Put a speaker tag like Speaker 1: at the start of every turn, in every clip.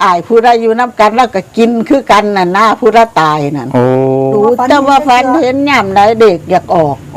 Speaker 1: อายผู้ใดอยู่น้ำกันแล้วก็กินคือกันน่ะหน้าผู้ใดตายนั่น
Speaker 2: โอ้
Speaker 1: ดูแต่ว่าฟันเห็นย่ำได้เด็กอยากออก
Speaker 2: โอ้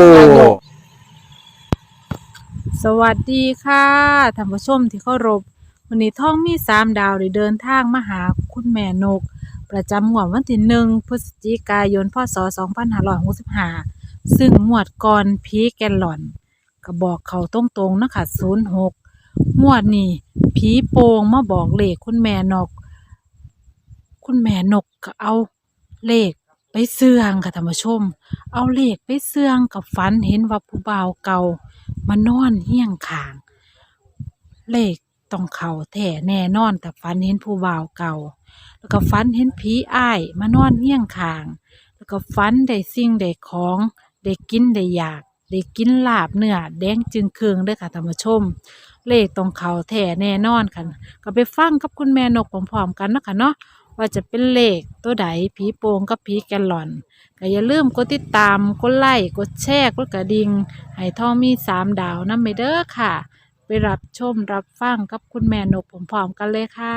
Speaker 3: สวัสดีค่ะท่านผู้ชมที่เคารพวันนี้ท่องมี3 ดาวได้เดินทางมาหาคุณแม่นก ประจำงวดวันที่1 พฤศจิกายน พ.ศ. 2565ซึ่งงวดก่อนผีแกลลอนก็บอกเขาตรงๆนะคะ06งวดนี้ผีโป่งมาบอกเลขคุณแม่นก คุณแม่นกก็เอาเลขไปเสี่ยงค่ะท่านผู้ชม เอาเลขไปเสี่ยงกับฝันเห็นว่าผู้บ่าวเก่ามานอนเฮี้ยงข้าง เลขต้องเข้าแท้แน่นอนแต่ฝันเห็นผู้บ่าวเก่า แล้วก็ฝันเห็นผีอ้ายมานอนเฮี้ยงข้าง แล้วก็ฝันได้สิ่งได้ของได้กินได้อยากได้กินลาบเนื้อแดงจึงเคืองเด้อค่ะท่านผู้ชม เลขต้องเข้าแท้แน่นอนค่ะก็ไปฟังกับคุณแม่นกพร้อมๆกันเนาะค่ะเนาะว่าจะเป็นเลขตัวใดผีโป่งกับผีแกลลอนก็อย่าลืมกดติดตามกดไลค์กดแชร์กดกระดิ่งให้ท่องมี3 ดาวนำไปเด้อค่ะ ไปรับชมรับฟังกับคุณแม่นกพร้อมๆกันเลยค่ะ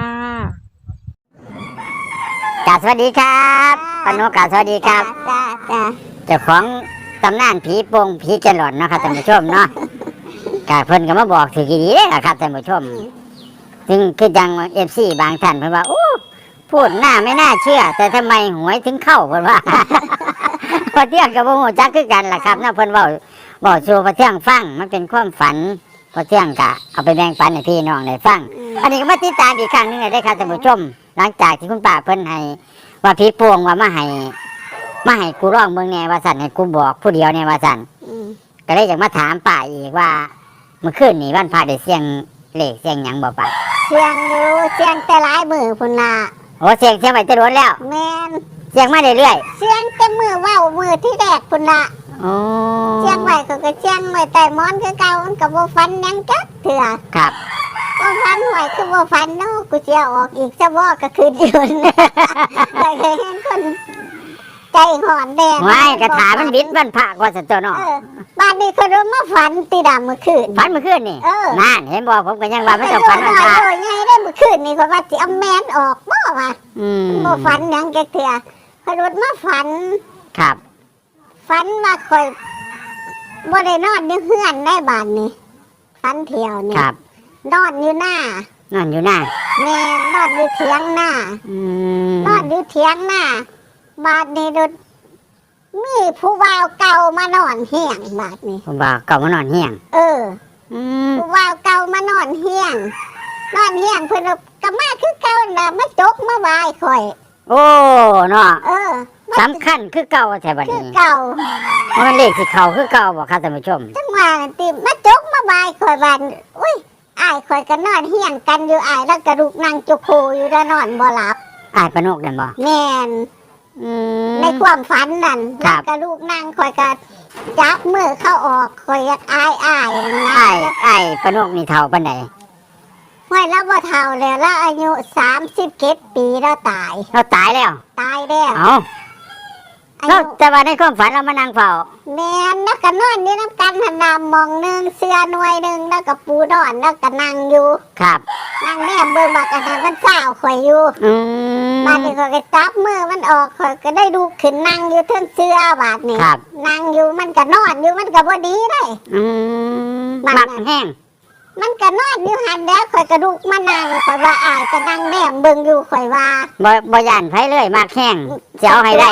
Speaker 4: สวัสดีครับปานกกาสวัสดีครับ
Speaker 5: จ้า
Speaker 4: เจ้าของตำนานผีโป่งผีแกลลอนเนาะครับท่านผู้ชมเนาะกาเพิ่นก็มาบอกถือกี่ดีเลยครับท่านผู้ชมซึ่งคือจังFCบางท่านเพิ่นว่าโอ้พูดหน้าไม่น่าเชื่อ แต่ทำไมหวยถึงเข้าเพิ่นว่า พอเที่ยงกับบ่ฮู้จักคือกันล่ะครับนะเพิ่นเว้าสู่พอเที่ยงฟังมันเป็นความฝันพอเที่ยงก็เอาไปแบ่งปันให้พี่น้องได้ฟังอันนี้ก็มาติดตามอีกครั้งหนึงได้ครับท่านผู้ชมหลังจากที่คุณป้าเพิ่นให้ว่าผีโป่งว่ามาให้กูร้องเมืองแน่ว่าสั่นให้กูบอกผู้เดียวเนี่ยว่าสั่นก็เลยอยากมาถามป้าอีกว่าเมื่อคืนนี้วันพระได้เสียงเลขเสียงหยังบ่ป้า
Speaker 5: เสียงอยู่เสียงแต่หลายมือพุ่นน่ะ
Speaker 4: โอ้เสียงไว้จะโดนแล้ว
Speaker 5: แม่น
Speaker 4: เสียงมาเรื่อย
Speaker 5: เสียงแต่มือเว้ามือที่แรกพุ่นน่ะ
Speaker 4: ๆโอ้
Speaker 5: เสียงไว้ก็เสียงไว้แต่มอนคือเก่ามันก็บ่ฟันหยังจักเถื่อ
Speaker 4: ครับ
Speaker 5: บ่ฟันไว้คือบ่ฟันเนาะกูสิเอาออกอีกซะบ่ก็คือยืนแต่เห็นคนใจหอนแดง
Speaker 4: ไว้กระถามันบิดวันพระกว่าสันตัวเนาะ
Speaker 5: บ้านนี้เขาเริ่มมาฝันตีดำเมื่อคืน
Speaker 4: ฝันเมื่อคืนนี่ นั่นเห็นบ่ผมก็ยังว่ามัน
Speaker 5: แต่
Speaker 4: จะ
Speaker 5: โด
Speaker 4: ฝั
Speaker 5: น
Speaker 4: น
Speaker 5: ห
Speaker 4: วัน
Speaker 5: น่อย
Speaker 4: พระ
Speaker 5: โดยไงได้เมื่อคืนนี่เขาว่าสิเอาแมนออกบ่ว่า
Speaker 4: อืม
Speaker 5: บ่ฝันหยังจักเถื่อเขารถมาฝัน
Speaker 4: ครับ
Speaker 5: ฝันว่าคอยบ่ได้นอนอยู่เฮือนได้บ้านนี่ฝันเที่ยวนี่
Speaker 4: ครับ
Speaker 5: นอนอยู่หน้า
Speaker 4: นั่นอยู่หน้า
Speaker 5: แม่นอนอยู่เถียงหน้า
Speaker 4: อืม
Speaker 5: นอนอยู่เถียงหน้าบ้านนี้รถมีผู้บ่าวเก่ามานอนเฮียงบ้านนี้
Speaker 4: ผมบอกเก่ามานอนเฮียง
Speaker 5: เออ
Speaker 4: อืม
Speaker 5: ผู้บ่าวเก่ามานอนเฮียง นอนเฮียงเพิ่นก็มาคือเก่าน่ะมาจกมาบายข่อย
Speaker 4: โอ้เนาะ
Speaker 5: เออ
Speaker 4: สำคัญคือเก่าแท้บัด
Speaker 5: คือ
Speaker 4: นี้
Speaker 5: เก่า
Speaker 4: มันเลขสิเข้าคือเก่าบ่ครับท่านผู้ชม
Speaker 5: จังหวะนั้นติมาจกมาบายข่อยบานอุ้ยอ้ายข่อยก็นอนเฮียงกันอยู่อ้ายแล้วกระดูกนั่งจุกโคอยู่แล้วนอนบ่หลับ
Speaker 4: อ้ายปานกนั่นบ่
Speaker 5: แม่น
Speaker 4: อืม
Speaker 5: ในความฝันนั่น
Speaker 4: ครั
Speaker 5: แล้ว
Speaker 4: บ
Speaker 5: กระดูกนั่งข่อยก็จับมือเข้าออกข่อยอยากอ้ายนะ
Speaker 4: อ้ายปานกนี่เฒ่าปานใด
Speaker 5: ห้วยแล้วบ่เฒ่าแล้วแล้วอายุ37 ปีแล้วตาย
Speaker 4: เราตายแล้ว
Speaker 5: ตายแล้ว
Speaker 4: เอ้า
Speaker 5: อา
Speaker 4: เรา
Speaker 5: ยุ
Speaker 4: แต่ว่าในความฝันเรามานั่งเฝ้า
Speaker 5: แม่นแล้วก็นอนอยู่น้ำกันหันหน้ามองหนึงเสื้อหน่วยหนึงแล้วก็ปูนอนแล้วก็นั่งอยู่
Speaker 4: ครับ
Speaker 5: นั่งแนมเบิ่งบักอันนั้นมันเศร้าข่อยอยู่
Speaker 4: อืม
Speaker 5: บาดนี้ข่อยก็จับมือมันออกข่อยก็ได้ดูขึ้นนั่งอยู่เทิงเสื้อบาดนี้
Speaker 4: ครับ
Speaker 5: นั่งอยู่มันก็นอนอยู่มันก็บ่ดีได้
Speaker 4: อืม
Speaker 5: บ้าน
Speaker 4: มัก
Speaker 5: นั้น
Speaker 4: แห้ง
Speaker 5: มันก็นอนอยู่หันแล้วข่อยก็ลุกมานั่งข่อยว่าอายก็นั่งแนมเบิ่งอยู่ข่อยว่า
Speaker 4: บ่ย่านไผเลยมักแห้งจะเอาให้ได้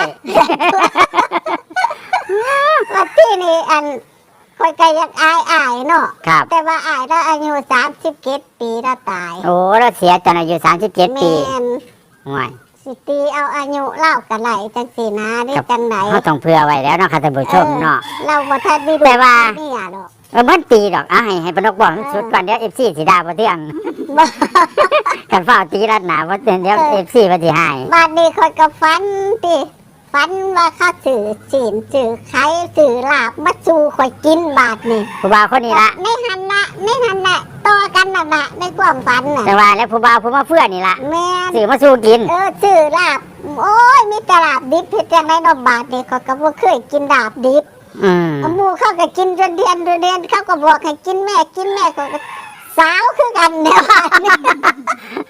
Speaker 5: ว่าที่นี่อันข่อยก็อยากอายเนาะ
Speaker 4: ครับ
Speaker 5: แต่ว่าอายแล้วอายุ37 ปีแล้วตาย
Speaker 4: โอ้เราเสียตอนอายุ37 ปี
Speaker 5: แม่น
Speaker 4: ห่วย
Speaker 5: สิตีเอาอายุเล่ากันไหลจังสีนะได้จังไหน
Speaker 4: เขาต้องเผื่อไว้แล้วเนาะค่ะท่านผู้ชมเนาะ
Speaker 5: เราบ่ทันได้ดู
Speaker 4: แต่ว่า
Speaker 5: เนี่ยดอก
Speaker 4: มันตีดอกให้ปานกบอกสุดก่อนเดี๋ยว FC สิด่าบ่เที่ยง
Speaker 5: บ่
Speaker 4: กันฟ้าวตีรัดหนาบ่เดี๋ยว FC บ่สิให้
Speaker 5: บาดนี้ข่อยก็ฝันติฝันว่าเขาสื่อศีลสื่อไข่สื่อลาบมาสู่ข่อยกินบาดนี้
Speaker 4: ผู้บ่าวคนนี้ละ
Speaker 5: ในหันละต่อกันน่ะนะในความฝันน่ะ
Speaker 4: แต่ว่าแล้วผู้บ่าวผู้มาเฟื่อนี่ละ
Speaker 5: แม่น
Speaker 4: ซื้อมาสู้กิน
Speaker 5: สื่อลาบโอ้ยมีแต่ลาบดิบเฮ็ดจังได๋เนาะบาดนี้ข่อยก็บ่เคยกินลาบดิบ
Speaker 4: อืม
Speaker 5: หมู่เขาก็กินจนเดือนเขาก็บอกให้กินแม่เขาก็สาวคือกันเนี่ยว่า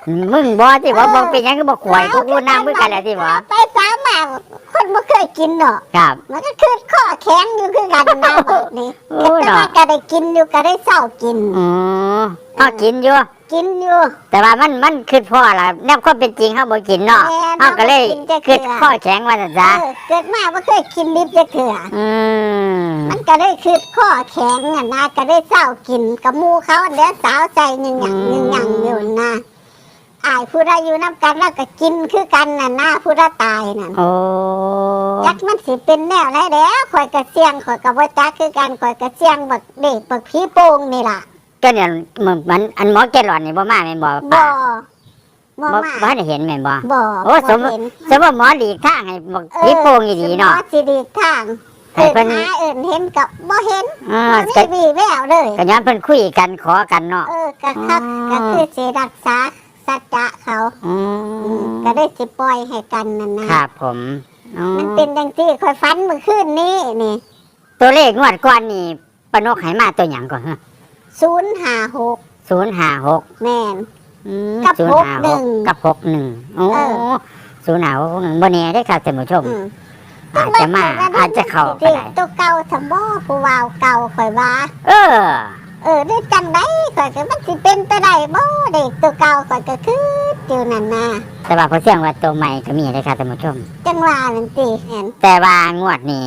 Speaker 4: มึงบ่ที่บ่บ่เป็นหยังก็บ่ข่อยกูน้ำมือกันแหละที่บ่
Speaker 5: ไปสามมาคนบ่เคยกินเนาะ
Speaker 4: ครับ
Speaker 5: มันก็คือข้อแข็งอยู่คือกันนะแบบนี้
Speaker 4: โอ้
Speaker 5: แต่
Speaker 4: เนาะ
Speaker 5: ว่าก็ได้กินอยู่ก็ได้เศร้ากิน
Speaker 4: อ๋อเฮากินอยู่
Speaker 5: กินอยู่
Speaker 4: แต่ว่ามันคือพ่อล่ะแนบความเป็นจริงเฮาบ่กินเนาะ
Speaker 5: แม่
Speaker 4: เฮาก็เลย
Speaker 5: บ่กินจัก
Speaker 4: คือ
Speaker 5: เทื่อ
Speaker 4: ข้อแข็งว่าซั่นซะ
Speaker 5: เกิดมาบ่เคยกินดิบจักเทื่อ
Speaker 4: อืม
Speaker 5: มันก็ได้คือข้อแข็งน่ะนะก็ได้เศร้ากินกับหมู่เขาอันเดียวสาวใจหนึ่งอย่างหนึ่งอย่างอยู่นะอายผู้ใดอยู่น้ำกันแล้วก็กินคือกันน่ะนะผู้ใดตายน่ะ
Speaker 4: โอ้
Speaker 5: ยักษ์มันสิเป็นแนวไหนแล้วข่อยกระเสียงข่อยกระบ่จักคือกันข่อยกระเสียงบักเด็กบักผีโป่งนี่ล่ะ
Speaker 4: ก็เนี่ยมันอันหมอแกหลอนนี่บ่มาแม่นบ่
Speaker 5: บ่
Speaker 4: ป้า
Speaker 5: บ่
Speaker 4: บ่
Speaker 5: มา
Speaker 4: บ่ได้เห็นแม่นบ่
Speaker 5: บ่
Speaker 4: โอ้สม
Speaker 5: บ่เห็น
Speaker 4: สมว่าหมอหลีกทางให้บอกผีโป่งอีหลีเนาะ
Speaker 5: หมอสิดีทาง
Speaker 4: ให้
Speaker 5: เอิ้
Speaker 4: เพิ่
Speaker 5: น
Speaker 4: น
Speaker 5: หาเอิ้นเห็นกับบ่เห็น
Speaker 4: อ่า
Speaker 5: บ่
Speaker 4: ก็
Speaker 5: มีวี่แววเลย
Speaker 4: ก็ย้อนเพิ่นคุยกันขอกันเนาะ
Speaker 5: ก็ครับ
Speaker 4: อ๋อ
Speaker 5: ก็คือสิรักษาสัจจะเขา
Speaker 4: อืม
Speaker 5: ก็ได้สิปล่อยให้กันนั่นนะครับ
Speaker 4: ผมอ๋อ
Speaker 5: มันเป็นจังซี่ข่อยฝันเมื่อคืนนี้นี่
Speaker 4: ตัวเลขงวดก่อนนี่ปานกให้มาตัวหยังก่อนฮะ
Speaker 5: 056
Speaker 4: 056
Speaker 5: แม่น
Speaker 4: อืม
Speaker 5: กับ
Speaker 4: 056กับ61โอ้
Speaker 5: เออ
Speaker 4: 056บ่แน่ได้อครับท่านผู้ชม
Speaker 5: อืม
Speaker 4: อาจจะมาอาจจะเข้าก็
Speaker 5: เด็ก
Speaker 4: ได้
Speaker 5: ตัวเก่าสมบ่ผู้วาวเก่าข่อยว่า
Speaker 4: เออ
Speaker 5: ได้จังได๋ข่อยก็มันสิเป็นไปได้บ่เด็กตัวเก่าข่อยก็คืออยู่นั่นน่ะ
Speaker 4: แต่ว่าพอเสียงว่าตัวใหม่ก็มีได้อครับท่านผู้ชม
Speaker 5: จังว่านั่นติเห็น
Speaker 4: แต่ว่างวดนี้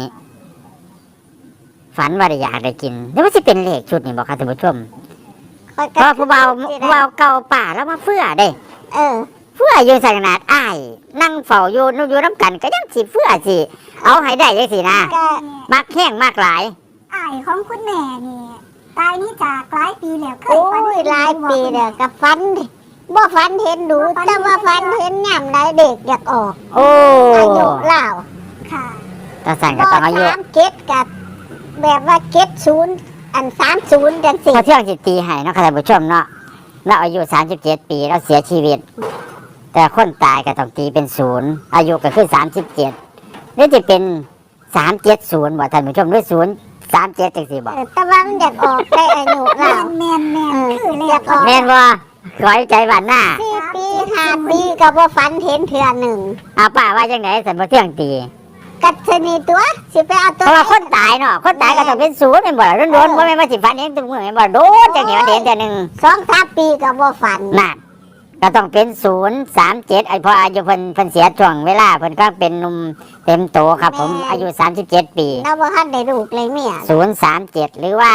Speaker 4: ฝันว่าได้อยากได้กินแล้วว่าสิเป็นเลขชุดนี่บอกครับท่านผู้ชม
Speaker 5: ข่อย
Speaker 4: เพ
Speaker 5: ก็
Speaker 4: ราะผู้เบาผู้เบาเก่าป่าแล้วมาเฟื่อเด้
Speaker 5: เออ
Speaker 4: เฟื่ออยู่ใส่ขนาดอ้ายนั่งเฝ้าอยู่นู่นอยู่น้ำกันก็ยังสิเฟื่อสิเอาให้ได้ยังสินะ
Speaker 5: ก็
Speaker 4: มักแห้งมากหลาย
Speaker 2: อ้ายของคุณแม่นี่ตายนี่จากหลายปีแล้วเคย
Speaker 5: โอ้
Speaker 2: ฝัน
Speaker 5: ย
Speaker 2: เห็น
Speaker 5: หลาย
Speaker 2: บ่
Speaker 5: ปี
Speaker 2: คุณ
Speaker 5: แล้ว
Speaker 2: แม่
Speaker 5: ก็ฝันบ่ฝันเห็นดูแต่ว่าฝันเห็นยามใดเด็กอยากออก
Speaker 4: โอ้
Speaker 5: อายุเล่า
Speaker 2: ค่ะ
Speaker 4: ตาสั่นก็
Speaker 5: บ่
Speaker 4: ต้องอายุ
Speaker 5: 37กับแบบว่า70อัน30จังซี่
Speaker 4: พอเที่ยงสิตีให้เนาะครับท่านผู้ชมเนาะเราอายุ37 ปีเราเสียชีวิต แต่คนตายก็ต้องตีเป็น0อายุก็คือ37หรือจะเป็น370บ่ท่านผู้ชมหรือ037จังซี่บ่
Speaker 5: แต่ว่ามันอยากออกได้อายุ
Speaker 2: แม่
Speaker 5: เล่าน
Speaker 2: แม่นแม่น
Speaker 5: เออ
Speaker 2: คือ
Speaker 5: อ
Speaker 2: แล้
Speaker 5: ยาว กออก
Speaker 4: แม่นบ่ขอให้ใจหวานหน้า
Speaker 5: 4ปี5ปีก็บ่ฝันเห็นเทื่อหนึ่ง
Speaker 4: เอาป้าว่าจังไหนสันบ่เที่ยงตี
Speaker 5: กัดชนีตัวสิไปเอา
Speaker 4: เพ
Speaker 5: ตัว
Speaker 4: ราะว่าคนตายเนาะคนตายก็ต้องเป็นศูนย์เป็นบ่ล่ะโดนๆบ่แม่นว่าสิฝันเห็นตัวมือแม่นบ่โดนจังนี้มันเห็นแต่หนึง
Speaker 5: 2-3ปีก็บ่ฝัน
Speaker 4: นั่นก็ต้องเป็น037ไอ้พออายุเพิ่นเสียช่วงเวลาเพิ่นก็เป็นหนุ่มเต็มโตครับผมอายุ37 ปี
Speaker 5: เราบ่ทันได้ลูกเลยเมีย
Speaker 4: 037หรือว่า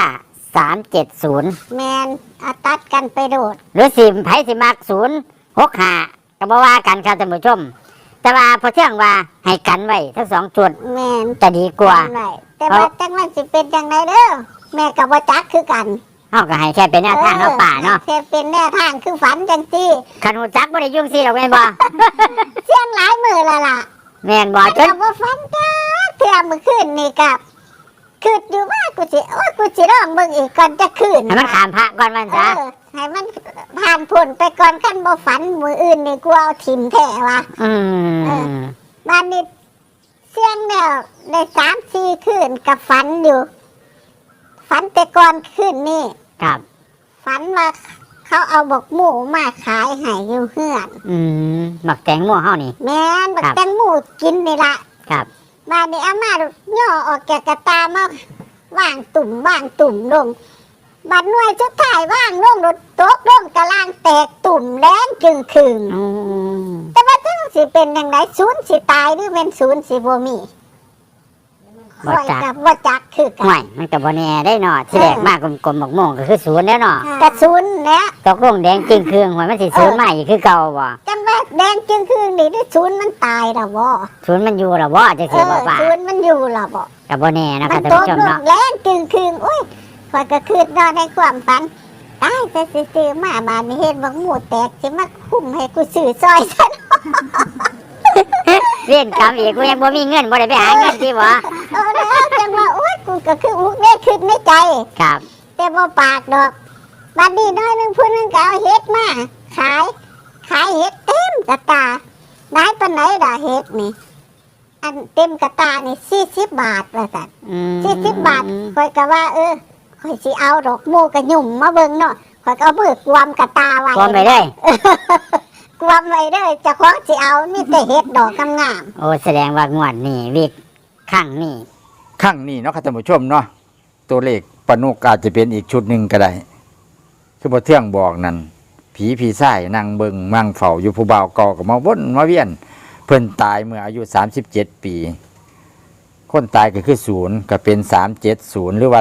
Speaker 4: 370
Speaker 5: แมนเอาตัดกันไปโดด
Speaker 4: หรือสิไผสิมัก065ก็บ่ว่ากันครับท่านผู้ชม แต่ว่าพอเที่ยงว่าให้กันไว้ทั้งสองจุด
Speaker 5: แมน
Speaker 4: จะดีกว่า
Speaker 5: จำไว้แต่ว่าจังมันสิเป็นจังไดเด้อแม่ก็บ่จักคือกัน
Speaker 4: เฮาก็ให้แค่เป็นแนวทางเนาะป่าเนาะ
Speaker 5: แค่เป็นแนวทางคือฝันจังซี่
Speaker 4: คันฮู้จักบ่ได้ยุ่งสิหรอกแม่นบ่
Speaker 5: เสียงหลายมือและล่ะ
Speaker 4: แม่นบ่จ
Speaker 5: แต่
Speaker 4: น
Speaker 5: บ่ฝันจ้าเทื่อมื้อคืนนี่ก็คิดอยู่ว่ากูสิร้องเบิ่งอีกก่อนจะคืน
Speaker 4: ให้มันขามพระก่อนมัน
Speaker 5: เอ
Speaker 4: ซะ
Speaker 5: อให้มันผ่านพ้นไปก่อนคันบ่ฝันมื้ออื่นนี่กูเอาถิ่มแท้ว่ะ
Speaker 4: อืม
Speaker 5: บ้านนี้เสียงแล้วได้3-4คืนกับฝันอยู่ ฝันแต่ก่อนคืนนี่
Speaker 4: ครับ
Speaker 5: ฝันว่าเขาเอาบกหมูมาขายให้อยู่เฮือน
Speaker 4: หมักแตงโม่วเฮานี่
Speaker 5: แม่นบัก
Speaker 4: ครับ
Speaker 5: แตงหมูกินนี่ละ
Speaker 4: ครับ
Speaker 5: บ้านนี้อามาย่อออกแกะกระตามาว่างตุ่มลงบัดหน่วยชุดถ่ายว่างลงรถโต๊ะลงกระล่างแตกตุ่มแรงจึงคืน
Speaker 4: อืม
Speaker 5: แต่ว่าจังสิเป็นจังไดศูนย์สิตายหรือเป็นศูนย์สิบ่มี
Speaker 4: บ่
Speaker 5: ข้อย
Speaker 4: จัก
Speaker 5: กับบ่จักคือกั
Speaker 4: ห่วยมันก็บ่แน่ได้เนาะที่แรกมากกลมๆบักโม่วงก็คือศูนย์แล้วเนาะ
Speaker 5: กระศูนย์แล้ว
Speaker 4: ตกลงแดงจริงเครื่องห่วยมันสิศูนย์มาอีกคือเก่าบ่
Speaker 5: จังว่าแดงจึงคืนนี่ด้วยศูนย์มันตายแล้วบ่
Speaker 4: ศูนย์มันอยู่ล่ะบ่จังซี่บ่ป่า
Speaker 5: ศูนย์มันอยู่ล่ะบ่
Speaker 4: ก็บ่แน่เนาะค
Speaker 5: มั
Speaker 4: รับ
Speaker 5: น
Speaker 4: ท่าน
Speaker 5: ตก
Speaker 4: ผู้ชม
Speaker 5: ล
Speaker 4: เนาะ
Speaker 5: งแรงจึงคืนอุ้ยข้อยก็คืนนอนในความฝันตายแต่ซื้อมาบ้านนี้เห็นบักหมูแตกสิมาคุ้มให้กูซื้อซอยซะ
Speaker 4: เรียนกรรมอีกกูยังบ่มีเงินบ่ได้ไปหาเงินที่บ่
Speaker 5: เอาแล้วจังว่าอุ้ยกูก็คืออุกเด้คิดในใจ
Speaker 4: ครับ
Speaker 5: แต่บ่ปากดอกบัดนี้น้อยหนึงผู้หนึงก็เอาเฮ็ดมาขายเฮ็ดเต็มกระตาได้ปานไหนล่ะเฮ็ดนี่ อันเต็มกระตานี่40 บาทว่าซั่น
Speaker 4: อืม
Speaker 5: 40 บาทข่อยก็ว่าข่อยสิเอาดอกหมูกระหยุ่มมาเบิ่งเนาะข่อยก็เอามือกวมกระตาไว้
Speaker 4: พร้อมไปเลย
Speaker 5: กวมไว้เด้อเจะของสิเอามีแต่เห็ดดอกงาม
Speaker 4: โอ้แสดงว่างวดนี้วิกข้างนี้
Speaker 6: ข้างนี้เนาะครับท่านผู้ชมเนาะตัวเลขปนุกอาจจะเป็นอีกชุดหนึ่งก็ได้คือบ่เที่ยงบอกนั่นผีพี่ไส้นั่งเบิงมั่งเฝ้าอยู่ผู้บ่าวเก่ากับมาวนมาเวียน เพิ่นตายเมื่ออายุ37 ปี คนตายก็คือ0ก็เป็น370หรือว่า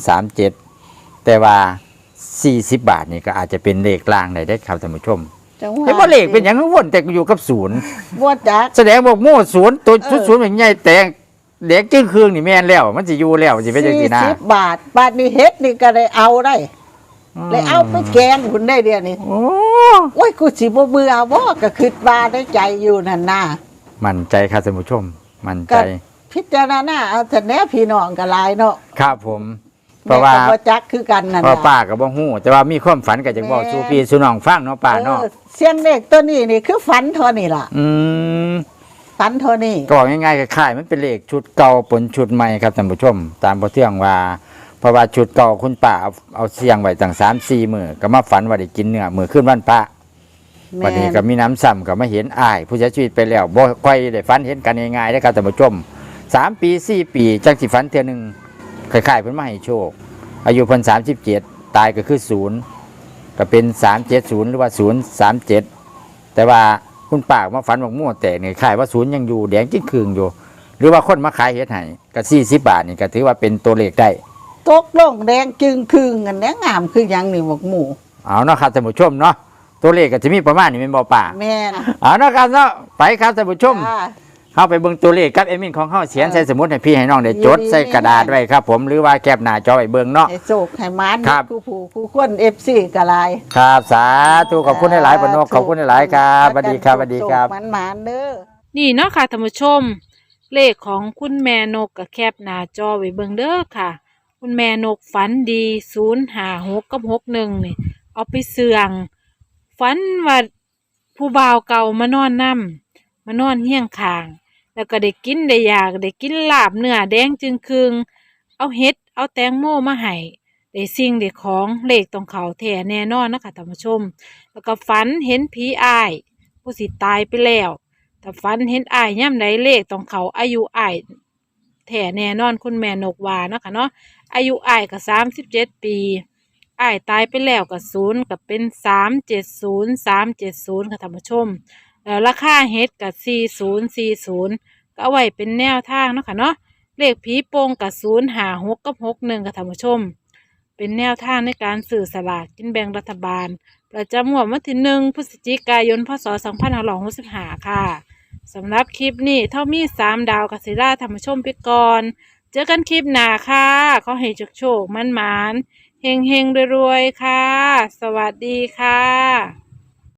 Speaker 6: 037แต่ว่า40 บาทนี่ก็อาจจะเป็นเลขกลางได้ครับท่านผู้ชม
Speaker 1: จังหวะ
Speaker 6: เห็นบ่เลขเป็นหยังวนแต่อยู่กับศูนย์
Speaker 1: บ่จัก
Speaker 6: แสดงบอกโม่ศูนย์ตัว
Speaker 1: เออ
Speaker 6: ศูนย์เป็นใหญ่แต่เด็กจึงคืนนี่แม่นแล้ว มันสิอยู่แล้วสิเป็นจังซี่นะ
Speaker 1: 40 บาทบาทนี้เฮ็ดนี่ก็ได้เอาได้เลยเอาไปแกงคุณได้เดียวนี่
Speaker 6: โอ้
Speaker 1: โอ้ยกูสิบ่เบื่อบ่ก็คิดว่าได้ใจอยู่นั่นน่ะ
Speaker 6: มั่นใจครับท่านผู้ชม มั่นใจ
Speaker 1: ก็ พิจารณาเอาแต่แน่พี่น้องก็หลายเนาะ
Speaker 6: ครับผม เพราะว่า
Speaker 1: แม่ก็บ่จักคือกันนั่น
Speaker 6: เพราะ
Speaker 1: น่ะ
Speaker 6: ป้าก็บ่ฮู้แต่ว่ามีความฝันก็จะบอกสู่พี่สู่น้องฟังเนาะป้าเนาะ
Speaker 1: เสียงเด็กตัวนี้นี่คือฝันเท่านี้ล่ะ
Speaker 6: อืม
Speaker 1: ฝันเท่านี้
Speaker 6: ก็บอกง่ายๆคล้ายๆมันเป็นเลขชุดเก่าปนชุดใหม่ครับท่านผู้ชม ตามพอเที่ยงว่า เพราะว่าชุดเก่าคุณป้าเอาเสียงไว้ตั้ง3-4 มื้อก็มาฝันว่าได้กินเนื้อมื้อขึ้นวันพระ วันนี้ก็มีน้ำซ้ำก็มาเห็นอ้าย ผู้เสียชีวิตไปแล้วบ่ค่อยได้ฝันเห็นกันง่ายๆนะครับท่านผู้ชม3 ปี 4 ปีจังสิฝันเทื่อหนึงคล้ายๆเพิ่นมาให้โชค อายุเพิ่น37 ตายก็คือ0ก็เป็น370หรือว่า037แต่ว่าคุณป้ามาฝันว่ามั่วแต่นี่คล้ายว่า0ยังอยู่แดงจิ้งคืงอยู่ หรือว่าคนมาขายเฮ็ดให้ก็40 บาทนี่ก็ถือว่าเป็นตัวเลขได้
Speaker 1: ตกลงแดงจึงคืงกันแดงงามคือหยังนี่บอกหมู่
Speaker 6: เอาเนาะครับท่านผู้ชมเนาะตัวเลขก็จะมีประมาณนี้เป็นบ่ป่า
Speaker 1: แม่น
Speaker 6: เอาเนาะครับเนาะไปครับท่านผู้ชม
Speaker 1: จ้า
Speaker 6: เข้าไปเบิ่งตัวเลขกับเอมินของเฮาเขียนใส่สมุดให้พี่ให้น้องได้จด
Speaker 1: ดีๆ
Speaker 6: ใส่กระดาษไว้ครับผมหรือว่าแคปหน้าจอไว้เบิ่งเนาะ
Speaker 1: ให้โศกให้มาน
Speaker 6: ครับ
Speaker 1: ผู้ผู้ผู้คน FC ก็หลาย
Speaker 6: ครับสาธุขอบคุณหลายๆปนกขอบคุณหลายๆครับสวัสดีครับสวัสดีครับ
Speaker 1: มันมานๆเด้อ
Speaker 3: นี่เนาะค่ะท่านผู้ชม เลขของคุณแม่นกกับแคบหน้าจอไว้เบิ่งเด้อค่ะ คุณแม่นกฝันดี056กับ61นี่เอาไปเสื่องฝันว่าผู้บ่าวเก่ามานอนนํมานอนเฮียงข้าง แล้วก็ได้กินได้อยากได้กินลาบเนื้อแดงจึงคืงเอาเฮ็ดเอาแตงโมมาให้ได้สิ่งได้ของเลขตรงเขาแท้แน่นอนนะคะท่านผู้ชม แล้วก็ฝันเห็นผีอ้าย ผู้สิตายไปแล้วแต่ฝันเห็นอ้ายย่ำใดเลขตรงเขาอายุอ้ายแท้แน่นอนคุณแม่นกว่าเนาะค่ะเนาะอายุอ้ายก็37 ปีอ้ายตายไปแล้วก็0ก็เป็น370 ค่ะท่านผู้ชม แล้วราคาเฮ็ดกับ4040ก็เอาไว้เป็นแนวทางเนาะค่ะเนาะเลขผีโป่งกับ056กับ61ค่ะท่านผู้ชม เป็นแนวทางในการสื่อสลากกินแบ่งรัฐบาล ประจำงวดวันที่1 พฤศจิกายน พศ 2565 ค่ะสำหรับคลิปนี้เท่ามี3 ดาวกัสิล่าท่านผู้ชมไปก่อน เจอกันคลิปหน้าค่ะขอให้โชคๆมันๆเฮงๆรวยๆค่ะ สวัสดีค่ะ